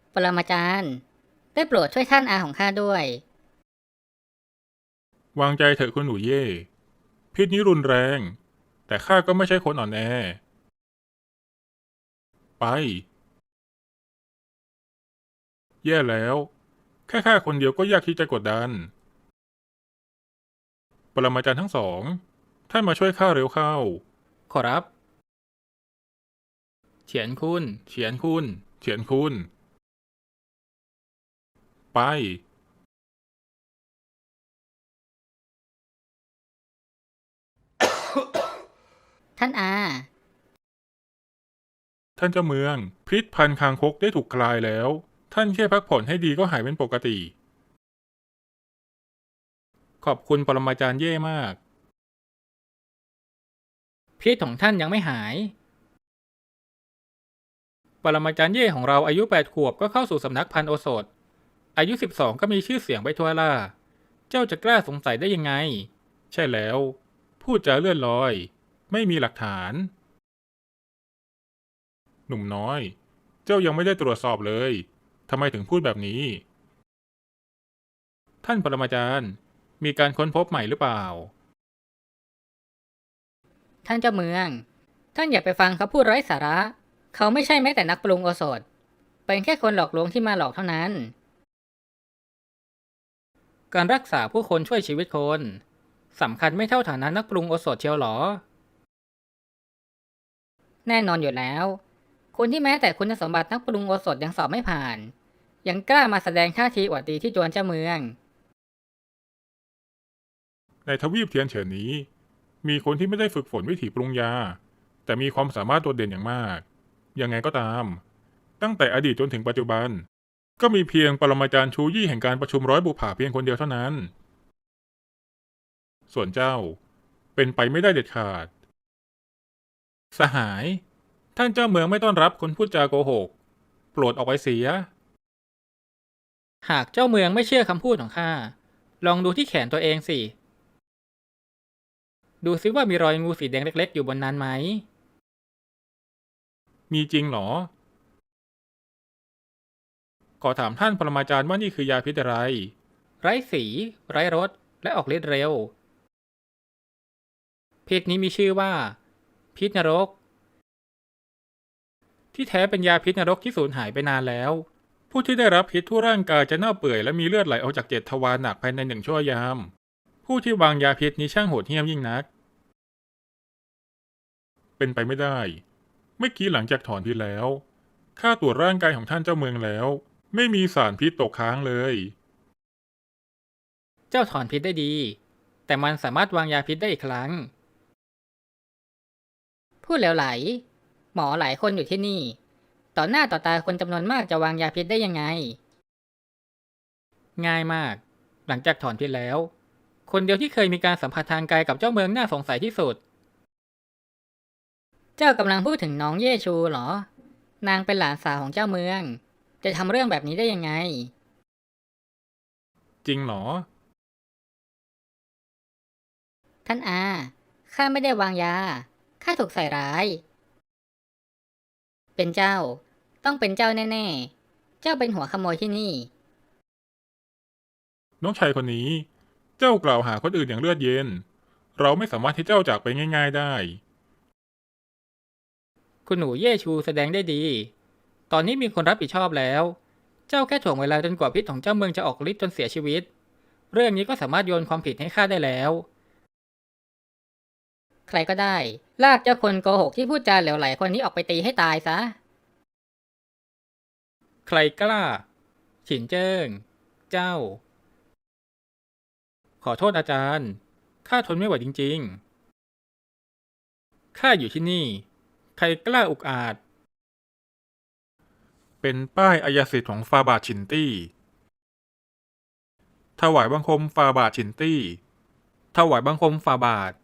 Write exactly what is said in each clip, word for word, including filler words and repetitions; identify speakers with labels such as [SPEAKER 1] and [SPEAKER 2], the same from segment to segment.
[SPEAKER 1] ปรมาจารย์ได้โปรดช่วยท่านอาของข้าด้วย
[SPEAKER 2] วางใจเถอะคุณหนูเย่พิษนี้รุนแรงแต่ข้าก็ไม่ใช่คนอ่อนแอไปแย่แล้วแค่ข้าคนเดียวก็ยากที่จะกดดันปรมาจารย์ทั้งสองท่านมาช่วยข้าเร็วเข้า
[SPEAKER 3] ขอรับเฉียนคุณ
[SPEAKER 2] เฉียนคุณเฉียนคุณไป
[SPEAKER 1] ท่านอา
[SPEAKER 2] ท่านเจ้าเมืองพิษพันคางคกได้ถูกคลายแล้วท่านแค่พักผ่อนให้ดีก็หายเป็นปกติขอบคุณปรมาจารย์เย่มาก
[SPEAKER 3] พิษของท่านยังไม่หายปรมาจารย์เย่ของเราอายุแปดขวบก็เข้าสู่สำนักพันโอสถอายุสิบสองก็มีชื่อเสียงไปทั่วล่าเจ้าจะกล้าสงสัยได้ยังไง
[SPEAKER 2] ใช่แล้วพูดจาเลื่อนลอยไม่มีหลักฐานหนุ่มน้อยเจ้ายังไม่ได้ตรวจสอบเลยทำไมถึงพูดแบบนี้
[SPEAKER 3] ท่านปรมาจารย์มีการค้นพบใหม่หรือเปล่า
[SPEAKER 1] ท่านเจ้าเมืองท่านอย่าไปฟังเขาพูดไร้สาระเขาไม่ใช่แม้แต่นักปรุงโอสถเป็นแค่คนหลอกลวงที่มาหลอกเท่านั้น
[SPEAKER 3] การรักษาผู้คนช่วยชีวิตคนสำคัญไม่เท่าฐานะนักปรุงโอสถเชียวหรอ
[SPEAKER 1] แน่นอนอยู่แล้วคนที่แม้แต่คุณสมบัตินักปรุงโอสถยังสอบไม่ผ่านยังกล้ามาแสดงท่าทีอวดดีที่จวนเจ้าเมือง
[SPEAKER 2] ในทวีปเทียนเฉินนี้มีคนที่ไม่ได้ฝึกฝนวิถีปรุงยาแต่มีความสามารถโดดเด่นอย่างมากยังไงก็ตามตั้งแต่อดีตจนถึงปัจจุบันก็มีเพียงปรมาจารย์ชูยี่แห่งการประชุมร้อยบุปผาเพียงคนเดียวเท่านั้นส่วนเจ้าเป็นไปไม่ได้เด็ดขาด
[SPEAKER 3] สหายท่านเจ้าเมืองไม่ต้อนรับคนพูดจาโกหกโปรดออกไปเสียหากเจ้าเมืองไม่เชื่อคำพูดของข้าลองดูที่แขนตัวเองสิดูซิว่ามีรอยงูสีแดงเล็กๆอยู่บนนั้นไหม
[SPEAKER 2] มีจริงหรอขอถามท่านปรมาจารย์ว่านี่คือยาพิษอะไร
[SPEAKER 3] ไร้สีไร้รสและออกฤทธิ์เร็วพิษนี้มีชื่อว่าพิษนรกที่แท้เป็นยาพิษนรกที่สูญหายไปนานแล้ว
[SPEAKER 2] ผู้ที่ได้รับพิษทั่วร่างกายจะเน่าเปื่อยและมีเลือดไหลออกจากเจ็ดทวารหนักภายในหนึ่งชั่วยามผู้ที่วางยาพิษนี้ช่างโหดเหี้ยมยิ่งนักเป็นไปไม่ได้เมื่อกี้หลังจากถอนพิษแล้วข้าตรวจร่างกายของท่านเจ้าเมืองแล้วไม่มีสารพิษตกค้างเลย
[SPEAKER 3] เจ้าถอนพิษได้ดีแต่มันสามารถวางยาพิษได้อีกครั้ง
[SPEAKER 1] พูดเหลวไหลหมอหลายคนอยู่ที่นี่ต่อหน้าต่อตาคนจำนวนมากจะวางยาพิษได้ยังไง
[SPEAKER 3] ง่ายมากหลังจากถอนพิษแล้วคนเดียวที่เคยมีการสัมผัสทางกายกับเจ้าเมืองน่าสงสัยที่สุด
[SPEAKER 1] เจ้ากำลังพูดถึงน้องเย่ชูเหรอนางเป็นหลานสาวของเจ้าเมืองจะทำเรื่องแบบนี้ได้ยังไง
[SPEAKER 2] จริงหรอ
[SPEAKER 1] ท่านอาข้าไม่ได้วางยาข้าถูกใส่ร้ายเป็นเจ้าต้องเป็นเจ้าแน่ๆเจ้าเป็นหัวขโมยที่นี่
[SPEAKER 2] น้องชายคนนี้เจ้ากล่าวหาคนอื่นอย่างเลือดเย็นเราไม่สามารถที่เจ้าจากไปง่ายๆได้
[SPEAKER 3] คุณหนูเย่ชูแสดงได้ดีตอนนี้มีคนรับผิดชอบแล้วเจ้าแค่ถ่วงเวลาจนกว่าพิษของเจ้าเมืองจะออกฤทธิ์จนเสียชีวิตเรื่องนี้ก็สามารถโยนความผิดให้ข้าได้แล้ว
[SPEAKER 1] ใครก็ได้ลากเจ้าคนโกหกที่พูดจาเหลวไหลคนนี้ออกไปตีให้ตายซะ
[SPEAKER 3] ใครกล้าฉินเจิ้งเจ้าขอโทษอาจารย์ข้าทนไม่ไหวจริงๆข้าอยู่ที่นี่ใครกล้าอุกอาจ
[SPEAKER 2] เป็นป้ายอายสิทธิ์ของฟาบาทชินตี้ถวายบังคมฟาบาทชินตี้
[SPEAKER 3] ถวายบังคมฝ่าบาท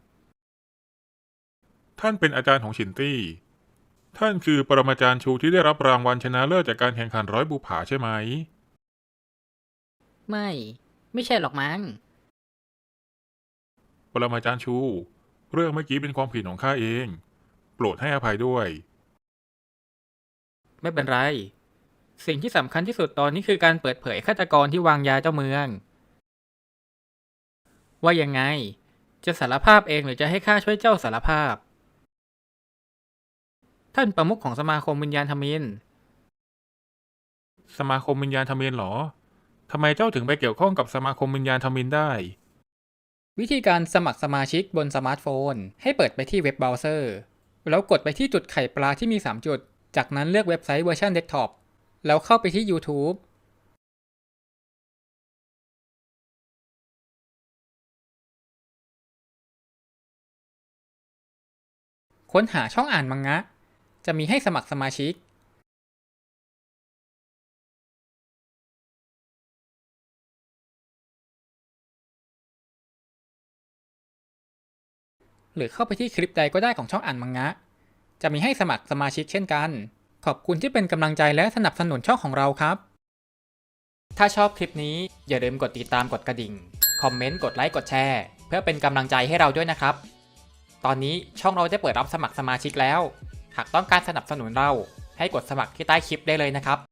[SPEAKER 2] ท่านเป็นอาจารย์ของชินตี้ท่านคือปรมาจารย์ชูที่ได้รับรางวัลชนะเลิศจากการแข่งขันร้อยบุปผาใช่ไหม
[SPEAKER 1] ไม่ไม่ใช่หรอกมั้ง
[SPEAKER 2] ปรมาจารย์ชูเรื่องเมื่อกี้เป็นความผิดของข้าเองโปรดให้อภัยด้วย
[SPEAKER 3] ไม่เป็นไรสิ่งที่สำคัญที่สุดตอนนี้คือการเปิดเผยฆาตกรที่วางยาเจ้าเมือง ว่ายังไง จะสารภาพเองหรือจะให้ข้าช่วยเจ้าสารภาพ ท่านประมุขของสมาคมวิญญาณทมิฬ
[SPEAKER 2] สมาคมวิญญาณทมิฬเหรอทำไมเจ้าถึงไปเกี่ยวข้องกับสมาคมวิญญาณทมิฬได้
[SPEAKER 3] วิธีการสมัครสมาชิกบนสมาร์ทโฟนให้เปิดไปที่เว็บเบราว์เซอร์แล้วกดไปที่จุดไข่ปลาที่มีสามจุดจากนั้นเลือกเว็บไซต์เวอร์ชันเดสก์ท็อปแล้วเข้าไปที่ YouTube ค้นหาช่องอ่านมังงะจะมีให้สมัครสมาชิกหรือเข้าไปที่คลิปใดก็ได้ของช่องอ่านมังงะจะมีให้สมัครสมาชิกเช่นกันขอบคุณที่เป็นกำลังใจและสนับสนุนช่องของเราครับถ้าชอบคลิปนี้อย่าลืมกดติดตามกดกระดิ่งคอมเมนต์กดไลค์กดแชร์เพื่อเป็นกำลังใจให้เราด้วยนะครับตอนนี้ช่องเราได้เปิดรับสมัครสมาชิกแล้วหากต้องการสนับสนุนเราให้กดสมัครที่ใต้คลิปได้เลยนะครับ